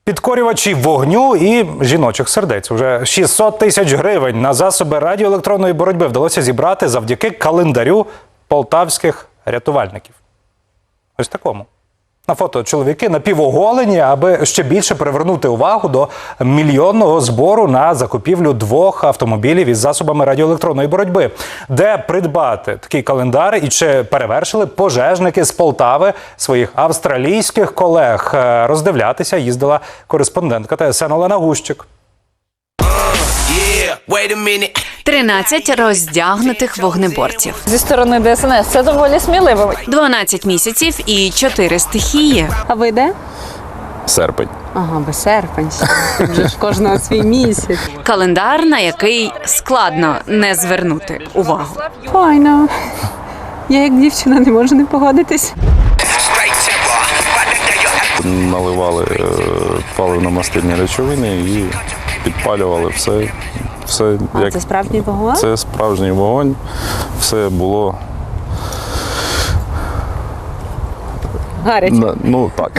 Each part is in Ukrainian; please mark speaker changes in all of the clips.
Speaker 1: Підкорювачі вогню і жіночих сердець. Уже 600 тисяч гривень на засоби радіоелектронної боротьби вдалося зібрати завдяки календарю полтавських рятувальників. Ось такому. На фото чоловіки напівоголені, аби ще більше привернути увагу до мільйонного збору на закупівлю 2 автомобілів із засобами радіоелектронної боротьби. Де придбати такий календар і чи перевершили пожежники з Полтави своїх австралійських колег? Роздивлятися їздила кореспондентка ТСН Олена Гущик.
Speaker 2: 13 роздягнутих вогнеборців.
Speaker 3: Зі сторони ДСНС це доволі сміливо.
Speaker 2: 12 місяців і 4 стихії.
Speaker 3: А ви де?
Speaker 4: Серпень.
Speaker 3: Ага, бо серпень. Вже ж кожного свій місяць.
Speaker 2: Календар, на який складно не звернути увагу.
Speaker 3: Файно. Я як дівчина не можу не погодитись.
Speaker 4: Наливали паливно-мастильні речовини і підпалювали все.
Speaker 3: А це справжній вогонь?
Speaker 4: Це справжній вогонь. Все було...
Speaker 3: Гаряче.
Speaker 4: Ну, так.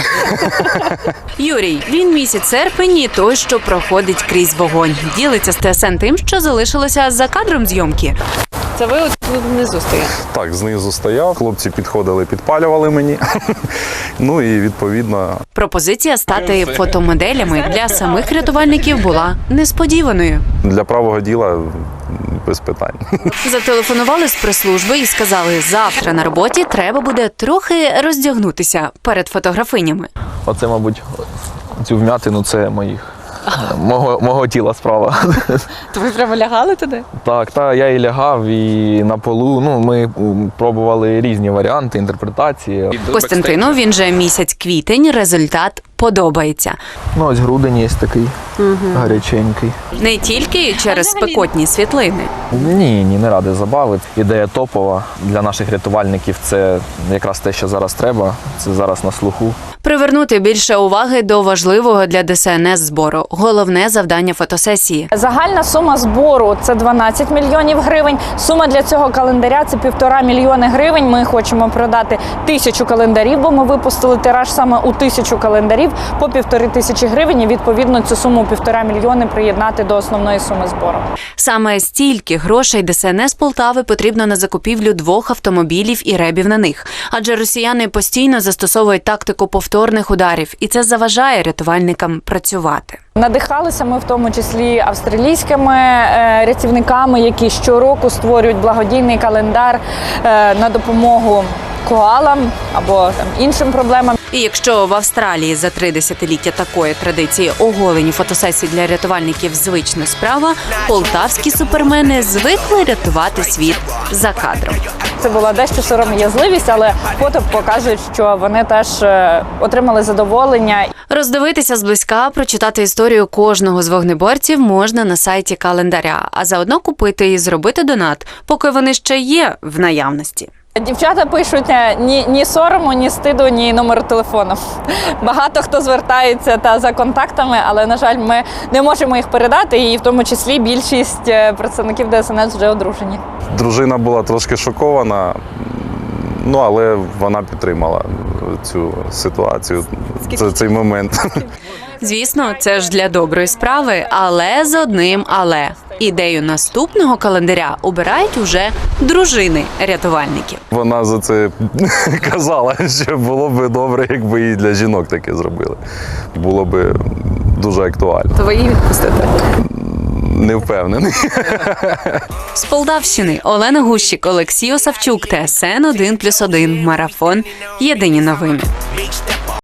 Speaker 2: Юрій, він місяць серпень і той, що проходить крізь вогонь. Ділиться з ТСН тим, що залишилося за кадром зйомки.
Speaker 3: Це ви от тут внизу стоїте?
Speaker 4: Так, знизу стояв, хлопці підходили, підпалювали мені. Ну і відповідно...
Speaker 2: Пропозиція стати фотомоделями для самих рятувальників була несподіваною.
Speaker 4: Для правого діла без питань.
Speaker 2: Зателефонували з прес-служби і сказали, завтра на роботі треба буде трохи роздягнутися перед фотографинями.
Speaker 5: Оце, мабуть, цю вмятину – це мого тіла справа.
Speaker 3: То ви прямо лягали туди?
Speaker 5: Так, я і лягав, і на полу. Ну, ми пробували різні варіанти, інтерпретації.
Speaker 2: Костянтину, він же місяць квітень, результат подобається.
Speaker 5: Ну, ось грудень є такий гаряченький.
Speaker 2: Не тільки через спекотні світлини.
Speaker 5: Ні, не ради забави. Ідея топова для наших рятувальників – це якраз те, що зараз треба, це зараз на слуху.
Speaker 2: Привернути більше уваги до важливого для ДСНС збору. Головне завдання фотосесії.
Speaker 3: Загальна сума збору – це 12 мільйонів гривень. Сума для цього календаря – це 1,5 мільйони гривень. Ми хочемо продати 1000 календарів, бо ми випустили тираж саме у 1000 календарів по 1500 гривень. І відповідно цю суму 1,5 мільйони приєднати до основної суми збору.
Speaker 2: Саме стільки грошей ДСНС Полтави потрібно на закупівлю 2 автомобілів і ребів на них. Адже росіяни постійно застосовують тактику повторних ударів, і це заважає рятувальникам працювати.
Speaker 3: Надихалися ми в тому числі австралійськими рятівниками, які щороку створюють благодійний календар на допомогу коалам або іншим проблемам.
Speaker 2: І якщо в Австралії за 3 десятиліття такої традиції оголені фотосесії для рятувальників звична справа, полтавські супермени звикли рятувати світ за кадром.
Speaker 3: Це була дещо сором'язливість, але фото показують, що вони теж отримали задоволення.
Speaker 2: Роздивитися зблизька, прочитати історію кожного з вогнеборців можна на сайті календаря, а заодно купити і зробити донат, поки вони ще є в наявності.
Speaker 3: Дівчата пишуть ні сорому, ні стиду, ні номеру телефону. Багато хто звертається за контактами, але, на жаль, ми не можемо їх передати, і в тому числі більшість представників ДСНС вже одружені.
Speaker 4: Дружина була трошки шокована, але вона підтримала цю ситуацію, цей момент.
Speaker 2: Звісно, це ж для доброї справи, але з одним але. Ідею наступного календаря обирають уже дружини рятувальників.
Speaker 4: Вона за це казала, що було б добре, якби і для жінок таке зробили. Було б дуже актуально.
Speaker 3: То ви її відпустите?
Speaker 4: Не впевнений.
Speaker 2: З Полтавщини Олена Гущик, Олексій Осавчук, ТСН 1+1, Марафон. Єдині новини.